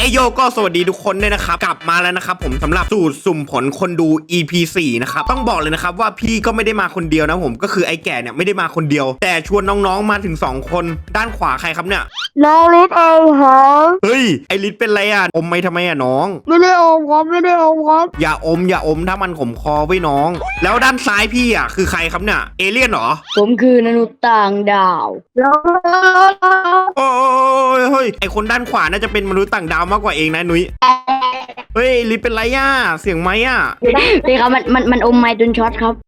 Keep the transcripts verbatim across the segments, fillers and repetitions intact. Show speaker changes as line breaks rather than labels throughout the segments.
โยก็สวัสดีทุกคนด้วยนะครับกลับมาแล้วนะครับผมสำหรับสูตรสุ่มผลคนดู อี พี สี่นะครับต้องบอกเลยนะครับว่าพี่ก็ไม่ได้มาคนเดียวนะผมก็คือไอ้แก่เนี่ยไม่ได้มาคนเดียว แต่ชวนน้องๆมาถึงสองคนด้านขวาใครครับเนี่ย
น้องลิศเองครับ
เฮ้ยไอลิศเป็นไรอ่ะอมไม่ทำไมอ่ะน้อง
ไม่ได้อมครับไม่ได้อมครับ
อย่าอมอย่าอมถ้ามันขมคอไว้น้องแล้วด้านซ้ายพี่อ่ะคือใครครับเนี่ยเอเลี่ยนเหรอ
ผมคือมนุษย์ต่างดาว
แล้ว
โอ้ยเฮ้ยไอคนด้านขวาน่าจะเป็นมนุษย์ต่างดาวมากกว่าเองนะนุ้ยเฮ้ยลิศเป็นไรอ่ะเสียงไหมอ่ะ
พี่ครับมันมันมันอมไม้จนช็อตครับ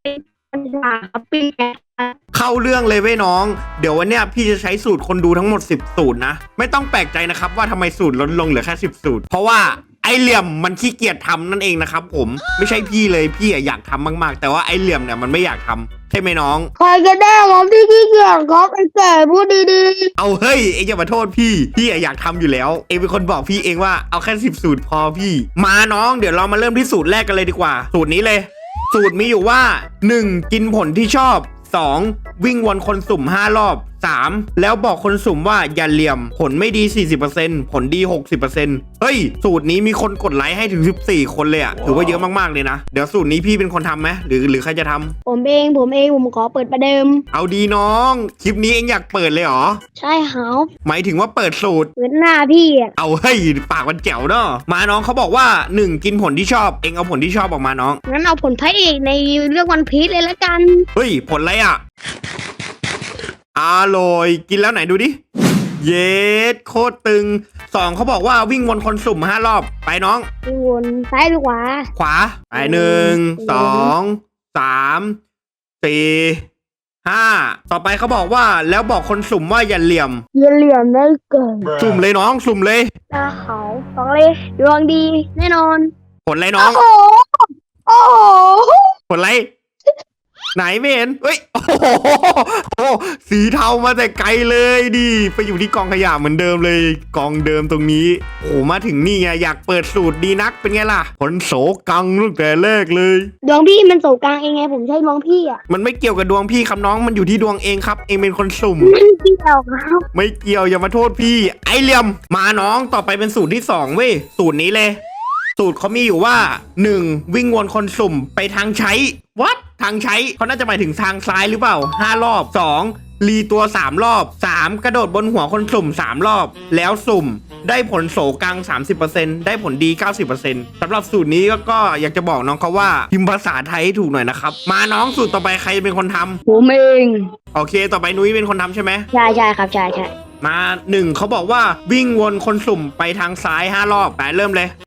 เข้าเรื่องเลยเว้ยน้องเดี๋ยววันเนี้ยพี่จะใช้สูตรคนดูทั้งหมดสิบสูตรนะไม่ต้องแปลกใจนะครับว่าทำไมสูตรลดลงเหลือแค่สิบสูตรเพราะว่าไอเหลี่ยมมันขี้เกียจทำนั่นเองนะครับผมไม่ใช่พี่เลยพี่อยากทำมากๆแต่ว่าไอเหลี่ยมเนี่ยมันไม่อยากทำใช่ไหมน้อง
ใครก็ได้ครับที่ขี้เกียจครับไอ้แก่พูดดี
ๆเอาเฮ้ยเอ็งอย่ามาโทษพี่พี่อยากทำอยู่แล้วเอ็งเป็นคนบอกพี่เองว่าเอาแค่สิบสูตรพอพี่มาน้องเดี๋ยวเรามาเริ่มที่สูตรแรกกันเลยดีกว่าสูตรนี้เลยสูตรมีอยู่ว่าหนึ่งกินผลที่ชอบสองวิ่งวนคนสุ่มห้ารอบสามแล้วบอกคนสุ่มว่าอย่าเหลี่ยมผลไม่ดี สี่สิบเปอร์เซ็นต์ ผลดี หกสิบเปอร์เซ็นต์ เฮ้ยสูตรนี้มีคนกดไลค์ให้ถึงสิบสี่คนเลยอะถือว่าเยอะมากๆเลยนะเดี๋ยวสูตรนี้พี่เป็นคนทำไหมหรือหรือใครจะทำ
ผมเองผมเองผมขอเปิดประเดิม
เอาดีน้องคลิปนี้เองอยากเปิดเลยเหรอ
ใช่ครับ
หมายถึงว่าเปิดสูตร
เปิดหน้าพี่อะ
เอาเฮ้ยปากมันแจ๋วเนาะมาน้องเขาบอกว่าหนึ่งกินผลที่ชอบเองเอาผลที่ชอบออกมาน้อง
งั้นเอาผลพระเอกในเรื่องวันพีชเลยละกัน
เฮ้ยผลอะไรอะอร่อยกินแล้วไหนดูดิเย็ดโคตรตึงสองเขาบอกว่าวิ่งวนคนสุ่มห้ารอบไปน้อง
วิ่งวนซ้ายหรือขวา
ขวาไปหนึ่งสองสามสี่ห้าต่อไปเขาบอกว่าแล้วบอกคนสุ่มว่าอย่าเหลี่ยม
อย่าเหลี่ยมได้เกิน
สุ่มเลยน้องสุ่มเลย
ตาเขาสองเลยดวงดีแน่นอน
ผลอะไรน้อง
โอ้โหโอ้โห
ผลอะไรไหนไม่เห็นเฮ้ยโอ้โหสีเทามาแต่ไกลเลยดิไปอยู่ที่กองขยะเหมือนเดิมเลยกองเดิมตรงนี้โอ้มาถึงนี่ไงอยากเปิดสูตรดีนักเป็นไงล่ะผลโสกังตั้งแต่แรกเลย
ดวงพี่มันโสกังเองไงผมใช่ดวงพี่อ่ะ
มันไม่เกี่ยวกับดวงพี่ครับน้องมันอยู่ที่ดวงเองครับเองเป็นคนสุ่ม
ไม่เกี่ยวครับ
ไม่เกี่ยวอย่ามาโทษพี่ไอเหลี่ยมมาน้องต่อไปเป็นสูตรที่สองเว้ยสูตรนี้เลยสูตรเขามีอยู่ว่าหนึ่งวิ่งวนคนสุ่มไปทางใช้วัดทางใช้เขาน่าจะหมายถึงทางซ้ายหรือเปล่าห้ารอบสองรีตัวสามรอบสามกระโดดบนหัวคนสุ่มสามรอบแล้วสุ่มได้ผลโสกัง สามสิบเปอร์เซ็นต์ ได้ผลดี เก้าสิบเปอร์เซ็นต์ สำหรับสูตรนี้ก็ก็อยากจะบอกน้องเขาว่าพิมพ์ภาษาไทยให้ถูกหน่อยนะครับมาน้องสูตรต่อไปใครเป็นคนทำ
ผมเอง
โอเคต่อไปนุ้ยเป็นคนทำใช่ไหม
ใช่ใช่ครับใช่ใช่
มาหนึ่งเขาบอกว่าวิ่งวนคนสุ่มไปทางซ้ายห้ารอบไปเริ่มเลย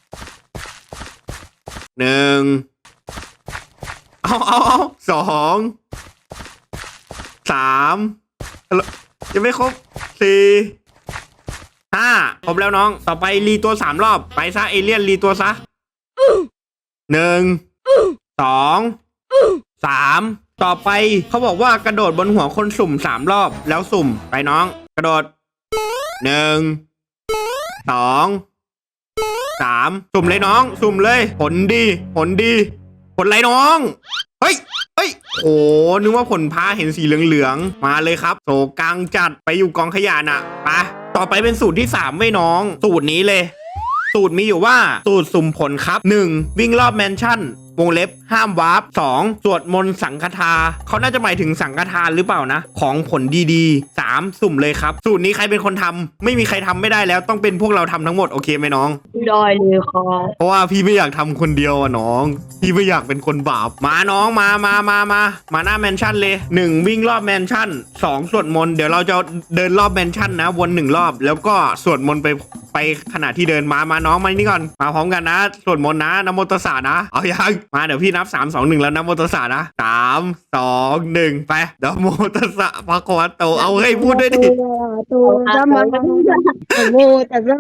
หนึ่งเอาเอาเอาสองสามยังไม่ครบสี่ห้าครบแล้วน้องต่อไปรีตัวสามรอบไปซะเอเลี่ยนรีตัวซะหนึ่งสองสามต่อไปเขาบอกว่ากระโดดบนหัวคนสุ่มสามรอบแล้วสุ่มไปน้องกระโดดหนึ่งสองสามสุ่มเลยน้องสุ่มเลยผลดีผลดีผลไรน้องเฮ้ยเฮ้ยโอ้นึกว่าผลพาเห็นสีเหลืองๆมาเลยครับโสกังจัดไปอยู่กองขยะน่ะไปต่อไปเป็นสูตรที่สามไว้น้องสูตรนี้เลยสูตรมีอยู่ว่าสูตรสุ่มผลครับหนึ่งวิ่งรอบแมนชั่นวงเล็บห้ามวาร์ปสองสวดมนต์สังฆทาเขาน่าจะหมายถึงสังฆทานหรือเปล่านะของผลดีๆสามสุ่มเลยครับสูตรนี้ใครเป็นคนทำไม่มีใครทำไม่ได้แล้วต้องเป็นพวกเราทำทั้งหมดโอเคไหมน้อง
ได้เลยครับ
เพราะว่าพี่ไม่อยากทำคนเดียวอ่ะน้องพี่ไม่อยากเป็นคนบาปมาน้องมามามามามาหน้าแมนชั่นเลยหนึ่งวิ่งรอบแมนชั่นสองสวดมนต์เดี๋ยวเราจะเดินรอบแมนชั่นนะวนหนึ่งรอบแล้วก็สวดมนต์ไปไปขณะที่เดินมามาน้องมานี่ก่อนมาพร้อมกันนะสวดมนต์นะนะโมตัสสะนะเอายังมาเดี๋ยวพี่นับสามสองหนึ่งแล้วนะโมตัสสะนะสามสองหนึ่งไปนะโมตัสสะภะคะวะโตเอาเฮ้ยพูดด้วยดิ
ตัวจะมาโมตัสสะ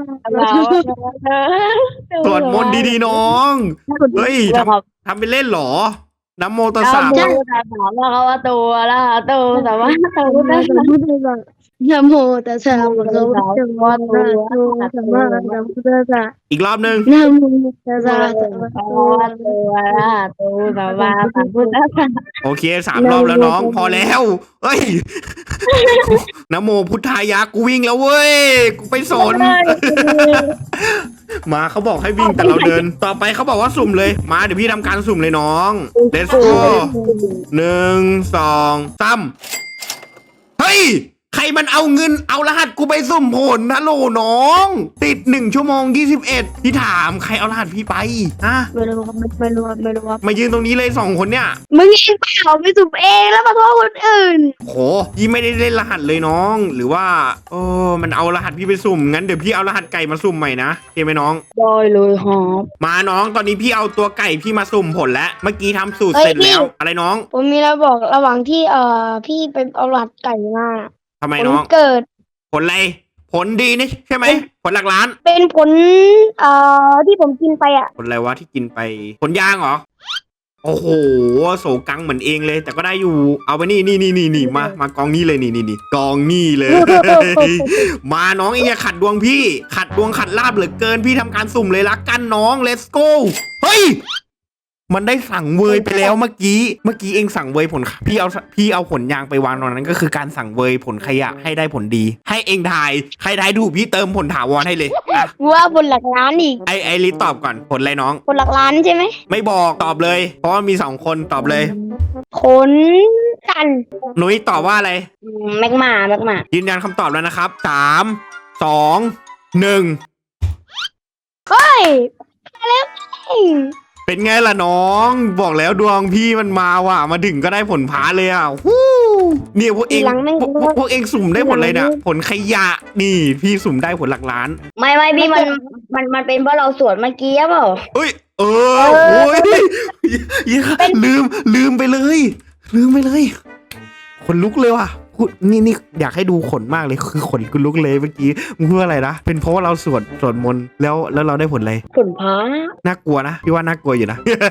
สวดมนต์ดีๆน้องเฮ้ยทำทำไปเล่นหรอนะโมตัสสะ
นะโมตัสสะภะคะวะโตอะระหะโตสัมมาสัมพุทธัสสะ
นะโมตัสสะภะคะวะโตอะระหะโตสัมมาสัมพุทธัสสะ
อีกรอบหนึ่ง
นะโมตัสสะภะคะวะโต
ตัวละตัวแบบว่าสัมพุทธะ
โอเคสามรอบแล้วน้องพอแล้วเฮ้ยนะโมพุทธายะกูวิ่งแล้วเว้ยกูไปสน มาเขาบอกให้วิ่งแต่เราเดิน ต่อไปเขาบอกว่าสุ่มเลยมาเดี๋ยวพี่ทำการสุ่มเลยน้อง let's go หนึ่งสองสามเฮ้ยใครมันเอาเงินเอารหัสกูไปสุ่มผลนะโหลน้อง ติดหนึ่งชั่วโมงยี่สิบเอ็ดพี่ถามใครเอารหัสพี่ไปฮะ
ไม่รู้ครับไม่รู้ครับไม่รู้ครับ
มายืนตรงนี้เลยสองคนเนี่ย
มึงเองเปล่าไปสุ่มเองแล้วมาโทษคนอื่น
โหยี่ไม่ได้เล่นรหัสเลยน้อง หรือว่าเออมันเอารหัสพี่ไปสุ่มงั้นเดี๋ยวพี่เอารหัสไก่มาสุ่มใหม่นะโอเคไหมน้อง
ได้เลยครับ
มาน้องตอนนี้พี่เอาตัวไก่พี่มาสุ่มผลแล้วเมื่อกี้ทำสูตรเสร็จแล้วอะไรน้อง
ผมมีอะไรบอกระหว่างที่เอ่อพี่ไปเอาหลัดไก่มา
ทำไม
ผล
น้อง
เกิด
ผลอะไรผลดีนี่ใช่ไหมผลหลักล้าน
เป็นผลเอ่อที่ผมกินไปอ่ะ
ผลอะไรวะที่กินไปผลยางเหรอโอ้โหโสกังเหมือนเองเลย แต่ก็ได้อยู่เอาไปนี่นี่นี่นี่นี่มามากองนี้เลยนี่นี่นี่กองนี่เลย มาน้องเองอย่าขัดดวงพี่ ขัดดวงขัดลาบเหลือเกินพี่ทำการสุ่มเลยละกันน้อง let's go เฮ้ยมันได้สั่งเวยไปแล้วเมื่อกี้เมื่อกี้เองสั่งเวยผลพี่เอาพี่เอาผลยางไปวางตรงนั้นก็คือการสั่งเวยผลขยะให้ได้ผลดี ให้เองทายใครทายถูกพี่เติมผลถาวรให้เลยอ่ะ
ว่าผลหลักล้านอีก
ไอไอริตอบก่อนผลอะไรน้อง
ผลหลักล้านใช่ไหม
ไม่บอกตอบเลย เพราะว่ามีสองคนตอบเลย
ผลกัน
หนุ้ยตอบว่าอะไร
อืมแมกมาแมกมา
ยืนยันคำตอบแล้วนะครับสามสองหนึ่ง
เฮ้ยมาแล้วเฮ้ย
เป็นไงล่ะน้องบอกแล้วดวงพี่มันมาว่ะมาถึงก็ได้ผลพาเลยอ่ะฮู้เนี่ยพวกเองพวกพวกพวกเองสุ่มได้ผลอะไรเนี่ยผลขยะนี่พี่สุ่มได้ผลหลักล้าน
ไม่ไม่พี่มันมันมันเป็นเพราะเราสวดเมื่อกี้เปล่า
เอ้ยเออโอ้ยลืมลืมไปเลย ลืมไปเลยขนลุกเลยว่ะพูดนี่นี่อยากให้ดูขนมากเลยคือขนกูลุกเลยเมื่อกี้มึงพูดอะไรนะเป็นเพราะว่าเราสวดสวดมนต์แล้วแล้วเราได้ผลอะไร
ผลพระ
น่ากลัวนะพี่ว่าน่ากลัวอยู่นะ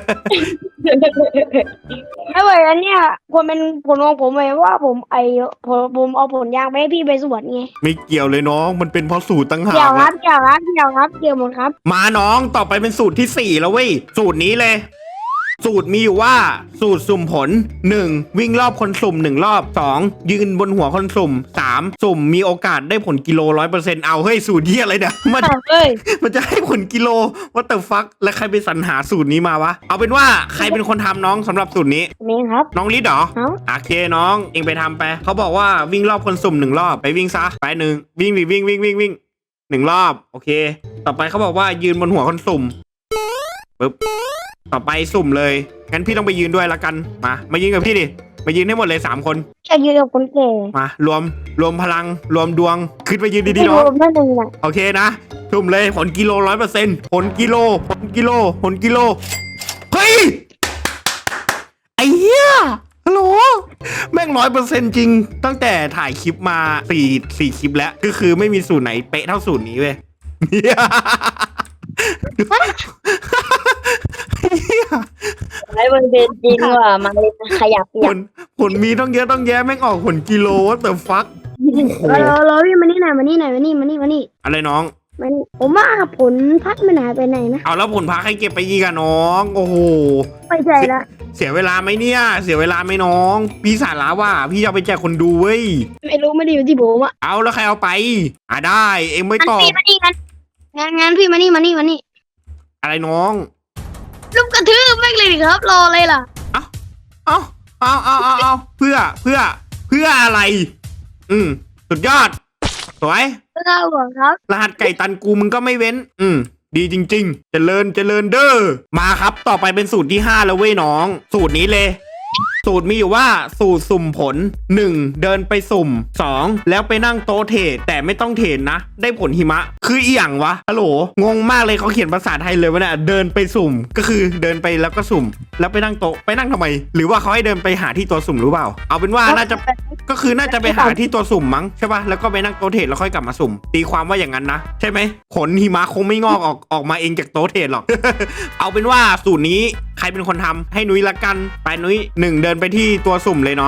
ไม่ไหวอันเนี้ยควรเป็นผลของผมเลยว่าผมไอผมผมเอาผลยางไปให้พี่ไปสวนไง
ไม่เกี่ยวเลยน้องมันเป็นเพราะสูตรตั้งหา
เกี่ยว
ก
ครั
นะ
บเกี่ยวครับเกี่ยวครับเกี่ยวหมดครับ
มาน้องต่อไปเป็นสูตรที่สี่แล้วเว้ยสูตรนี้เลย สูตรมีอยู่ว่าสูตรสุ่มผลหนึ่งวิ่งรอบคนสุ่มหนึ่งรอบสองยืนบนหัวคนสุ่มสามสุ่มมีโอกาสได้ผลกิโลร้อยเปอร์เซ็นต์เอาเฮ้ยสูตรที่อะไรเนี่ยมัน
เฮ้ย
มันจะให้ผลกิโลว่าแต่ฟักและใครไปสรรหาสูตรนี้มาวะเอาเป็นว่าใครเป็นคนทำน้องสำหรับสูตรนี้
นี่ครับ
น้องลิศเหรอ
เอ้า
โอเคน้องเองไปทำไปเขาบอกว่าวิ่งรอบคนสุ่มหนึ่งรอบไปวิ่งซะไปหนึ่งวิ่งดิวิ่งวิ่งวิ่งวิ่งหนึ่งรอบโอเค ต่อไปเขาบอกว่ายืนบนหัวคนสุ่มปึ๊บต่อไปสุ่มเลยงั้นพี่ต้องไปยืนด้วยละกันมามายืนกับพี่ดิมายืนให้หมดเลยสามคน
จะยืนกับคนแก่
มารวมรวมพลังรวมดวงขึ้นไปยืนดี
ที่
ๆ
ร
น้อ
ว
ง
มนั่นเองอ่ะ
โอเคนะสุ่มเลยผลกิโลร้อยเปอร์เซ็นต์ผลกิโลผลกิโลผลกิโลเฮ้ยไอ้เหี้ยฮัลโหลแม่งร้อยเปอร์เซ็นต์จริงตั้งแต่ถ่ายคลิปมาสี่สี่คลิปแล้วก็คือไม่มีสูตรไหนเป๊ะเท่าสูตรนี้เว้ยเนี่ย
ไอ้มันเป็นจริงว่ะมันขยับ
ผลผลมีต้องเยอะต้องแยะแม่งออกผลกิโลว่าแต่ฟักโอ้โห
รอรอพี่มานี่หน่อยมานี่หน่อยมานี่มานี่มานี่
อะไรน้อง
มานี่ผมว่าผลพัดมันหายไปไหนนะ
เอาแล้วผลพักให้เก็บไปยีกันน้อง โอ้โห
ไปใจละ
เสียเวลาไหมเนี่ย เสียเวลาไหมน้อง พี่สาระว่า พี่จะเอาไปแจกคนดูเว้ย
ไม่รู้ไม่ได้อยู่ที่ผมอ่ะ
เอาแล้วใครเอาไป อ่ะได้ เอ็งไม่
งั้น
ตอบ
พี่มานี่งั้นงั้นงั้นพี่มานี่มานี่มานี่
อะไรน้อง
ลุกกระทืบแม่งเลยดิครับรออะไรล่ะ
เอาเอาเอาเอาเอาเอาเพื่อเพื่อเพื่ออะไร อืมสุดยอด สวย
ไม่ได้หรอกครับ
รหัสไก่ตันกูมึงก็ไม่เว้น อืม ดีจริงๆ เจริญเจริญเด้อ มาครับ ต่อไปเป็นสูตรที่ห้าแล้วเว้ยน้อง สูตรนี้เลย สูตรมีอยู่ว่าสูตรสุ่มผลหนึ่งเดินไปสุ่มสองแล้วไปนั่งโต๊ะเทรดแต่ไม่ต้องเทรดนะ ได้ผลหิมะ คืออีหยังวะฮัลโหลงงมากเลยเขาเขียนภาษาไทยเลยวะเนี่ยเดินไปสุ่มก็คือเดินไปแล้วก็สุ่ม แล้วไปนั่งโต๊ะไปนั่งทำไม หรือว่าเขาให้เดินไปหาที่ตัวสุ่มหรือเปล่า เอาเป็นว่าน่าจะก็คือน่าจะไปหาที่ตัวสุ่มมั้งใช่ป่ะแล้วก็ไปนั่งโต๊ะเทรดแล้วค่อยกลับมาสุ่ม ตีความว่าอย่างนั้นนะใช่ไหมผลหิมะคงไม่งอกออกออกมาเองจากโต๊ะเทรดหรอก เอาเป็นว่าสูตรนี้ใครเป็นคนทำให้นุ้ยละกันไปนุ้ยหนึ่งเดินไปที่ตัวสุ่มเลยน้อง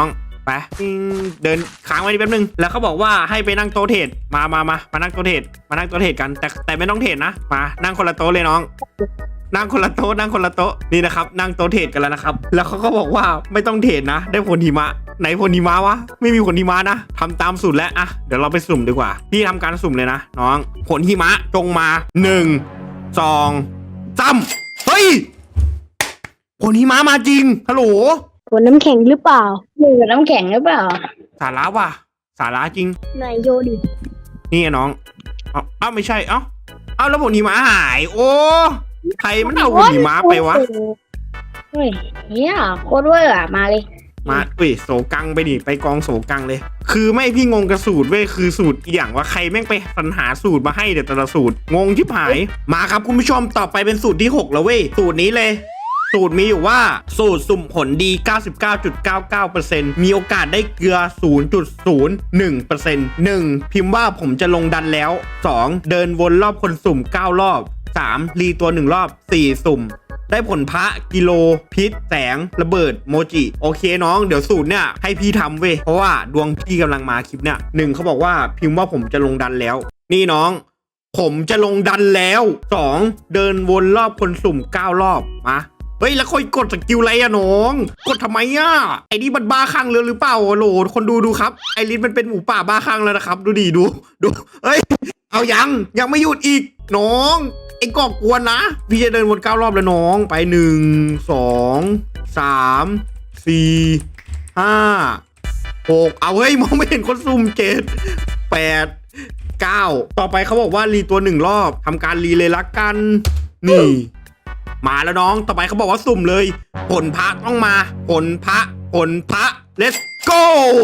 ไปปิ้งเดินค้างไว้นิดแป๊บนึงแล้วเขาบอกว่าให้ไปนั่งโต๊ะเทรดมามามามานั่งโต๊ะเทรดมานั่งโต๊ะเทรดกันแต่แต่ไม่ต้องเทรดนะมานั่งคนละโต๊ะเลยน้อง นั่งคนละโต๊ะนั่งคนละโต๊ะนี่นะครับนั่งโต๊ะเทรดกันแล้วนะครับแล้วเขาก็บอกว่าไม่ต้องเทรดนะได้ผลหิมะไหนผลหิมะวะไม่มีผลหิมะนะทำตามสูตรแล้วอะเดี๋ยวเราไปสุ่มดีกว่าพี่ทำการสุ่มเลยนะน้องผลหิมะจงมาหนึ่งสองสามเฮ้ยผลหิมะมาจริงฮัลโหล
ผลน้ำแข็งหรือเปล่า
หรือน้ำแข็งหรือเปล่า
สาระว่ะสาระจริง
ไหนโยดิ
นี่ไงน้องเอ้าเอ้าไม่ใช่เอ้าเอ้าแล้วผลหิมะหายโอ้ใครมันเอาผลหิมะไปวะ
เฮ้ยเนี่ยโคตรเวอร์อะมาเลย
มาอุ้ยโสกังไปดิไปกองโสกังเลย คือไม่พี่งงกับสูตรเว้ยคือสูตรอีกอย่างว่าใครแม่งไปสรรหาสูตรมาให้เดี๋ยวแต่ละสูตรงงชิบหายมาครับคุณผู้ชมต่อไปเป็นสูตรที่หกแล้วเว้ยสูตรนี้เลย สูตรมีอยู่ว่าสูตรสุ่มผลดี เก้าสิบเก้าจุดเก้าเก้าเปอร์เซ็นต์ มีโอกาสได้เกลือ ศูนย์จุดศูนย์หนึ่งเปอร์เซ็นต์ หนึ่ง พิมพ์ว่าผมจะลงดันแล้ว สอง เดินวนรอบคนสุ่มเก้ารอบ สาม รีตัวหนึ่งรอบ สี่ สุ่ม ได้ผลพระกิโลพิษแสงระเบิดโมจิโอเคน้องเดี๋ยวสูตรเนี่ยให้พี่ทำเว้ยเพราะว่าดวงพี่กำลังมาคลิปเนี่ยหนึ่งเขาบอกว่าพิมพ์ว่าผมจะลงดันแล้ว นี่น้อง ผมจะลงดันแล้วสองเดินวนรอบคนสุ่มเก้ารอบมาเฮ้ยแล้วค่อยกดสกิลอะไรอะน้องกดทำไมอะไอ้นี่มันบ้าคลั่งเลยหรือเปล่าโหลคนดูดูครับไอริสมันเป็นหมูป่าบ้าคลั่งแล้วนะครับดูดิดูดูเฮ้ยเอายังยังไม่หยุดอีกน้องไอ้ก่อกวนนะพี่จะเดินวนเก้ารอบแล้วน้องไปหนึ่งสองสามสี่ห้าหกเอาเฮ้ยมองไม่เห็นคนซุ่มเจ็ดแปดเก้าต่อไปเขาบอกว่ารีตัวหนึ่งรอบทำการรีเลยละกันนี่มาแล้วน้องต่อไปเขาบอกว่าสุ่มเลยผลพระต้องมาผลพระผลพระ let's go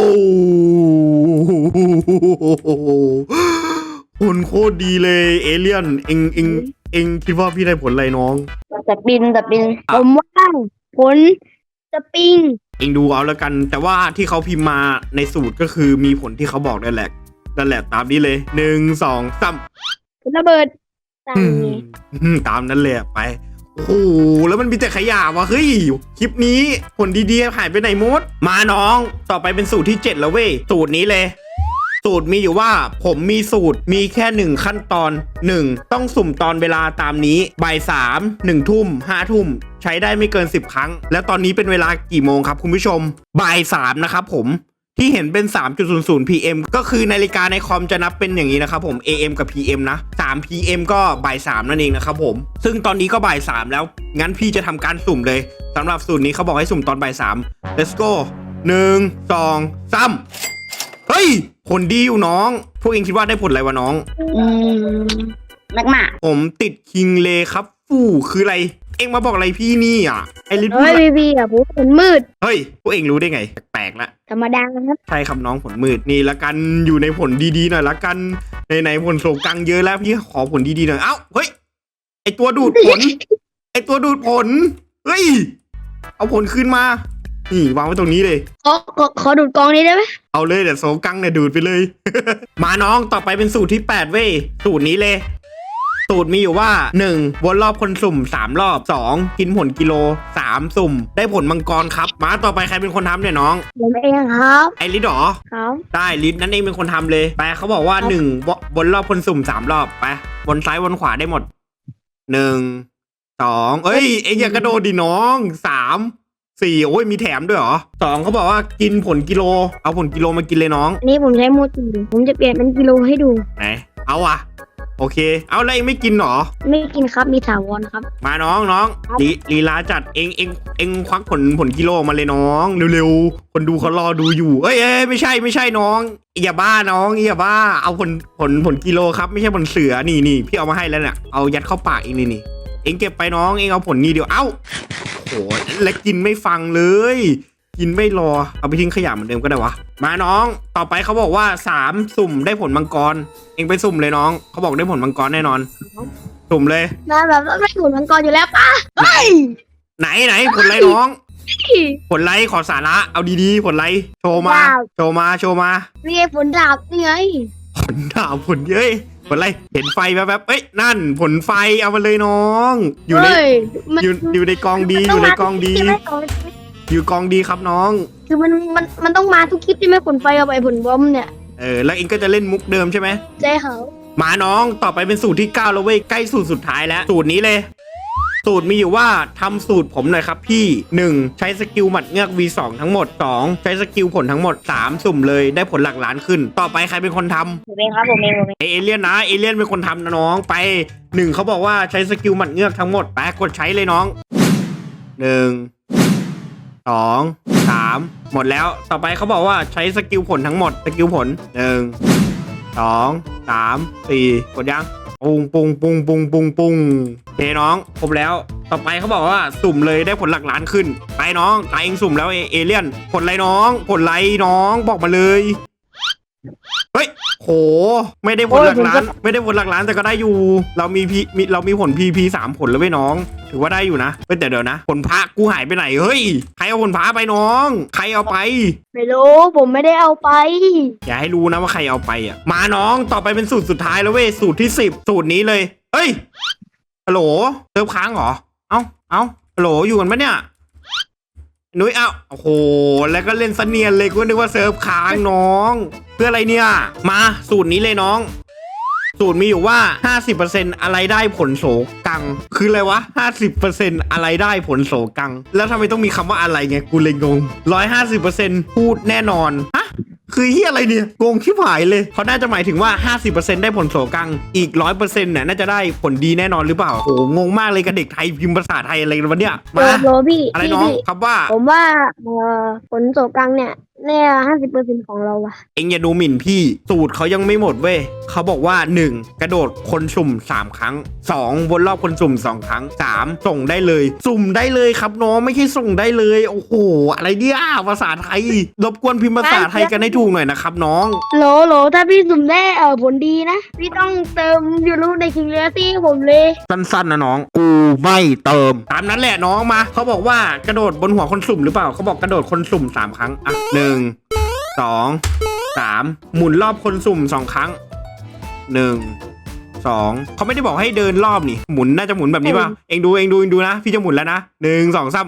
ผลโคตรดีเลยเอเลี่ยนเอ็งเอ็งเอ็งคิดว่าพี่ได้ผลอะไรน้อง
แต่บินแต่บิน
ผมว่าผลสปริง
เอ็งดูเอาแล้วกัน แต่ว่าที่เขาพิมพ์มาในสูตรก็คือมีผลที่เขาบอกนั่นแหละนั่นแหละตามนี้เลยหนึ่งสองสาม
ผลระเบิดต่างนี้
อืมตามนั้นเลยไปโอ้โหแล้วมันมีแต่ขยะวะเฮ้ยคลิปนี้ผลดีๆหายไปไหนหมดมาน้องต่อไปเป็นสูตรที่เจ็ดแล้วเว้ยสูตรนี้เลย สูตรมีอยู่ว่าผมมีสูตรมีแค่หนึ่งขั้นตอนหนึ่งต้องสุ่มตอนเวลาตามนี้บ่ายสามหนึ่งทุ่มห้าทุ่มใช้ได้ไม่เกินสิบครั้งแล้วตอนนี้เป็นเวลากี่โมงครับคุณผู้ชมบ่ายสามนะครับผมที่เห็นเป็น สามจุดศูนย์ศูนย์ พี เอ็ม ก็คือนาฬิกาในคอมจะนับเป็นอย่างนี้นะครับผม เอ เอ็ม กับ พี เอ็ม นะ สาม พี เอ็ม ก็บ่ายสามนั่นเองนะครับผมซึ่งตอนนี้ก็บ่ายสามแล้วงั้นพี่จะทำการสุ่มเลยสำหรับสูตรนี้เขาบอกให้สุ่มตอนบ่ายสาม let's go หนึ่งสองสามเฮ้ยผลดีอยู่น้องพวกเองคิดว่าได้ผลอะไรวะน้อง
อืมแมกมา
ผมติดคิงเลครับฟู่คืออะไรเอ็งมาบอกอะไรพี่นี่อ่ะไอริสพูด
เฮ้ย
อะไร
พี่พี่อะผมผลมืด
เฮ้ยพวกเอ็งรู้ได้ไงแปลกๆละ
ธรรมดาครับ
ใช่ครับน้องผลมืดนี่ละกันอยู่ในผลดีๆหน่อยละกันในในผลโศกังเยอะแล้วพี่ขอผลดีๆหน่อยเอ้าเฮ้ยไอตัวดูดผล ไอตัวดูดผลเฮ้ยเอาผลขึ้นมานี่วางไว้ตรงนี้เลย
ขอขอขอดูดกองนี้ได้ไหม
เอาเลยเดี๋ยวโศกังเนี่ยดูดไปเลย มาน้องต่อไปเป็นสูตรที่แปดเว้ยสูตรนี้เลย สูตรมีอยู่ว่าหนึ่งวนรอบคนสุ่มสามรอบสองกินผลกิโลสามสุ่มได้ผลมังกรครับมาต่อไปใครเป็นคนทำเนี่ยน้อง
ผมเองครับ
ไอริสหรอ
ครับ
ได้ลิฟต์นั่นเองเป็นคนทำเลยไปเขาบอกว่าหนึ่งวนรอบคนสุ่มสามรอบไปวนซ้ายวนขวาได้หมดหนึ่งสองเอ้ยเอ็งอย่ากระโดดดิน้องสามสี่โอ้ยมีแถมด้วยเหรอสองเขาบอกว่ากินผลกิโลเอาผลกิโลมากินเลยน้อง
อันนี้ผมใช้โมจิผมจะเปลี่ยนเป็นกิโลให้ดู
ไหนเอาอะโอเคเอาแล้วเองไม่กินเหรอ
ไม่กินครับมีถาวรครับ
มาน้องน้องลีลีลาจัดเองเองเองควักผลผลกิโลมาเลยน้องเร็วๆคนดูเขารอดูอยู่เอ้ยเอ้ยไม่ใช่ไม่ใช่น้องอย่าบ้าน้องอย่าบ้าเอาผลผลผลกิโลครับไม่ใช่ผลเสือนี่นี่พี่เอามาให้แล้วเนี่ยเอายัดเข้าปากเองนี่นี่เองเก็บไปน้องเองเอาผลนี้เดียวเอ้าโหและกินไม่ฟังเลยกินไม่รอเอาไปทิ้งขยะเหมือนเดิมก็ได้วะมาน้องต่อไปเขาบอกว่าสามสุ่มได้ผลมังกรเองไปสุ่มเลยน้องเขาบอกได้ผลมังกรแน่นอนสุ่มเลย
นายแบบต้องได้ผลมังกรอยู่แล้วป่ะเฮ้ย
ไหนไหนผลไรน้อง ผลไรขอสาระเอาดีๆผลไรโชว์มาโชว์มาโชว์มา
นี่ไงผลดาบนี่ไง
ผลดาวผลเย้ยผลไรเห็นไฟแวบๆเอ้ยนั่นผลไฟเอามาเลยน้อง อยู่ใน
เฮ้ยมัน
อยู่อยู่ในกองดีอยู่ในกองดี
ใช่ไหมกอง
อยู่กองดีครับน้อง
รคือมันมันมันต้องมาทุกคลิปที่ไม่ผลไฟกับไอ้ผลบอมเนี่ย
เออแล้วเองก็จะเล่นมุกเดิมใช่ไหม
ใช่เขา
มาน้องต่อไปเป็นสูตรที่เก้าแล้วเว้ยใกล้สูตรสุดท้ายแล้วสูตรนี้เลย สูตรมีอยู่ว่าทำสูตรผมหน่อยครับพี่ หนึ่ง ใช้สกิลหมัดเงือก วี สอง ทั้งหมด สอง ใช้สกิลผลทั้งหมด สาม สุ่มเลยได้ผลหลักล้านขึ้น ต่อไปใครเป็นคนทำ
ผมเองครับผมเองผมเอง
เอเลี่ยนนะเอเลี่ยนเป็นคนทำนะน้องไปหนึ่งเขาบอกว่าใช้สกิลหมัดเงือกทั้งหมดไปกดใช้เลยน้องหนึ่งสองสามหมดแล้วต่อไปเขาบอกว่าใช้สกิลผลทั้งหมดสกิลผลหนึ่งสองสามสี่กดยังปุงปุงปุงปุงปุงปุงเฮ้น้องครบแล้วต่อไปเขาบอกว่าสุ่มเลยได้ผลหลักล้านขึ้นไปน้องตายเองสุ่มแล้วเอเอเลี่ยนผลไรน้องผลไรน้องบอกมาเลยเฮ้ยโหไม่ได้ผลหลักล้านไม่ได้ผลหลักล้านแต่ก็ได้อยู่ เรามีพีมีเรามีผลพีพีสามผลแล้วเว้ยน้องถือว่าได้อยู่นะเฮ้ยแต่เดี๋ยวนะผลพระกูหายไปไหนเฮ้ยใครเอาผลพระไปน้องใครเอาไป
ไม่รู้ผมไม่ได้เอาไป
อย่าให้รู้นะว่าใครเอาไปอ่ะมาน้องต่อไปเป็นสูตรสุดท้ายแล้วเว้ยสูตรที่สิบสูตรนี้เลยเฮ้ยฮัลโหลเติมค้างเหรอเอ้าเอ้าฮัลโหลอยู่กันปะเนี่ยนุ้ยเอ้าโอ้โหแล้วก็เล่นเสนียนเลยกูนึกว่าเซิร์ฟค้างน้องเพื่ออะไรเนี่ยมาสูตรนี้เลยน้อง สูตรมีอยู่ว่า ห้าสิบเปอร์เซ็นต์ อะไรได้ผลโสกังคืออะไรวะ ห้าสิบเปอร์เซ็นต์ อะไรได้ผลโสกังแล้วทำไมต้องมีคำว่าอะไรไงกูเลยงง หนึ่งร้อยห้าสิบเปอร์เซ็นต์ พูดแน่นอนฮะคือเฮียอะไรเนี่ยงงชิบหายเลยเขาน่าจะหมายถึงว่า ห้าสิบเปอร์เซ็นต์ ได้ผลโสกังอีก หนึ่งร้อยเปอร์เซ็นต์ เนี่ยน่าจะได้ผลดีแน่นอนหรือเปล่าโอ้โหงงมากเลยกับเด็กไทยพิมพ์ภาษาไทยอะไรกันวะเนี่ย
โล
มา
โลพี่
อะไร
พี่
น้อง
พี่
ครับว่า
ผมว่าเอ่อผลโสกังเนี่ยแน่ห้าสิบเปอร์เซ็นต์ของเราอะ
เอ็งอย่าดูหมิ่นพี่สูตรเขายังไม่หมดเว้ยเขาบอกว่า หนึ่ง กระโดดคนสุ่มสามครั้ง สอง วนรอบคนสุ่มสองครั้ง สาม ส่งได้เลย สุ่มได้เลยครับน้องไม่ใช่ส่งได้เลยโอ้โหอะไรเนี่ยภาษาไทยรบกวนพิมพ์ภาษาไทยกันให้ถูกหน่อยนะครับน้อง
โหลโหลถ้าพี่สุ่มได้เออผลดีนะพี่ต้องเติมยูรูในคิงเลซี่ผมเลย
สั้นๆนะน้องกูไม่เติมตามนั้นแหละน้องมาเขาบอกว่ากระโดดบนหัวคนสุ่มหรือเปล่าเขาบอกกระโดดคนสุ่มสามครั้งอ่ะหนึ่งสองสามหมุนรอบคนสุ่มสองครั้งหนึ่งสองเขาไม่ได้บอกให้เดินรอบนี่หมุนน่าจะหมุนแบบนี้ป่ะเองดูเองดูเองดูนะพี่จะหมุนแล้วนะหนึ่งสองสาม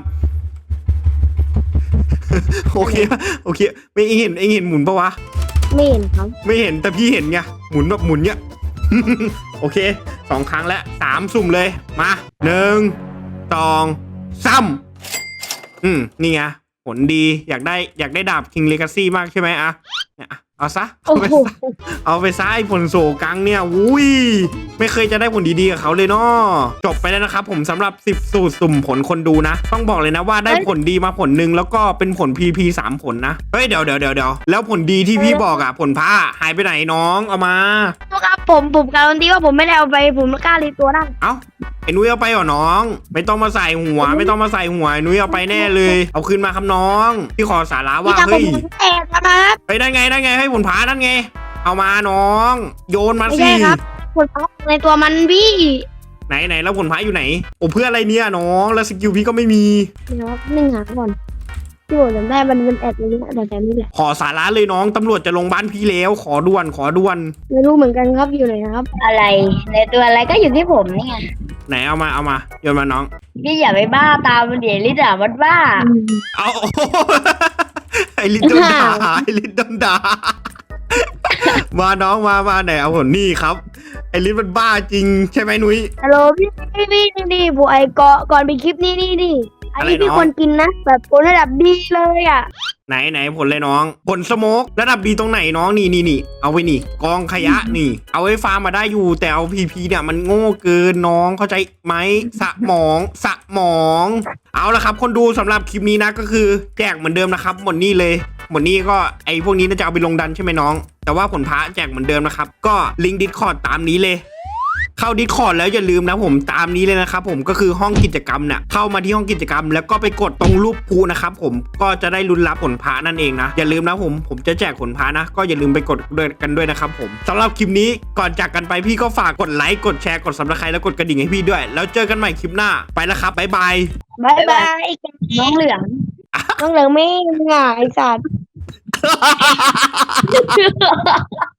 โอเคโอเคไม่เองเห็นเองเห็นหมุนปะวะ
ไม่เห็นครับ
ไม่เห็นแต่พี่เห็นไงหมุนแบบหมุนเนี้ย โอเคสองครั้งแล้วสามสุ่มเลยมาหนึ่งสองสามอืมนี่ไงผลดีอยากได้อยากได้ดาบ King Legacy มากใช่ไหมอะเนี่ยเอาซะ
โอ้
เอาไป
โห
ซะเอาไปซะไอ้ผลโศกังเนี่ยอุ้ยไม่เคยจะได้ผลดีๆกับเขาเลยเนาะจบไปแล้วนะครับผมสำหรับสิบสูตรสุ่มผลคนดูนะ ต้องบอกเลยนะว่าได้ผลดีมาผลหนึ่งแล้วก็เป็นผล พี พี สามผลนะเฮ้ยเดี๋ยวเดี๋ยวเดี๋ยวเดี๋ยวแล้วผลดีที่พี่บอกอะผลพระหายไปไหนน้องเอามา
ครับผมผมการันตีว่าผมไม่ได้เอาไปผมไม่กล้ารีตัวนั่ง
เอ้าไอ้นุ้ยเอาไปเหรอน้อง ไม่ต้องมาใส่หัว ไม่ต้องมาใส่หัวไอ้นุ้ยเอาไปแน่เลย เอาคืนมาครับน้องพี่ขอสาระ
พี่
ว่า
ทำผม
เฮ้ย
แตกนะครับ
ไปได้ไงได้ไงให้ผลพานั่นไงเอามาน้อง โยนมา
ไม่
สิ
ใช่ครับผลพักในตัวมันพี่
ไหนไหนแล้วผลพาอยู่ไหนโอ้เพื่ออะไรเนี่ยน้องแล้วสกิลพี่ก็ไม่มี
เดี๋ยวครับหนึ่งหาก่อนที่ผมจำได้มันเป็นแอดเลยนะแต่แต่นี่แหละ
ขอสาระเลยน้องตำรวจจะลงบ้านพี่แล้วขอด่วนขอด่วน
ไม่รู้เหมือนกันครับอยู่ไหนนะครับ
อะไรในตัวอะไรก็อยู่ที่ผมนี่ไง
ไหนเอามาเอามาโยนมาน้อง
พี่อย่าไปบ้าตามมันเดี๋ยวลิด่ามันบ้า
เอา ไอลิตโดนด่าไอลิตโดนด่า มาน้องมามาไหนเอาผลนี่ครับไอลิตมันบ้าจริงใช่ไหมนุ้ย
ฮัลโหลพี่พี่พี่นี่นี่ผมไอ้ก่อนก่อนไปคลิปนี้นี่นี่อันนี้
อะไร
พี่
น้อง
ควรกินนะแบบผลระดับดีเลยอ่ะ
ไหนไหนผลเลยน้อง ผลสโมกระดับดีตรงไหนน้องนี่นี่นี่เอาไว้นี่ กองขยะนี่ เอาไว้ฟาร์มมาได้อยู่แต่เอาพีพีเนี่ยมันโง่เกินน้องเข้าใจไหมสมองสมอง เอาละครับคนดูสำหรับคลิปนี้นะก็คือแจกเหมือนเดิมนะครับหมดนี่เลยหมดนี่ก็ไอพวกนี้น่าจะเอาไปลงดันใช่ไหมน้อง แต่ว่าผลพระแจกเหมือนเดิมนะครับก็ลิงก์ดิสคอร์ดตามนี้เลย เข้าดิสคอร์ดแล้วอย่าลืมนะผมตามนี้เลยนะครับผมก็คือห้องกิจกรรมเนี่ยเข้ามาที่ห้องกิจกรรม แล้วก็ไปกดตรงรูปภูนะครับผมก็จะได้ลุ้นรับผลพระนั่นเองนะอย่าลืมนะผมผมจะแจกผลพระนะก็อย่าลืมไปกดด้วยกันด้วยนะครับผมสำหรับคลิปนี้ก่อนจากกันไปพี่ก็ฝากกดไลค์กดแชร์กดซับสไครต์แล้วกดกระดิ่งให้พี่ด้วย แล้วเจอกันใหม่คลิปหน้าไปแล้วครับบ๊ายบาย
บายบาย
น้องเหลือง
น้องเหลืองไม่ง่ายไอ้สัตว์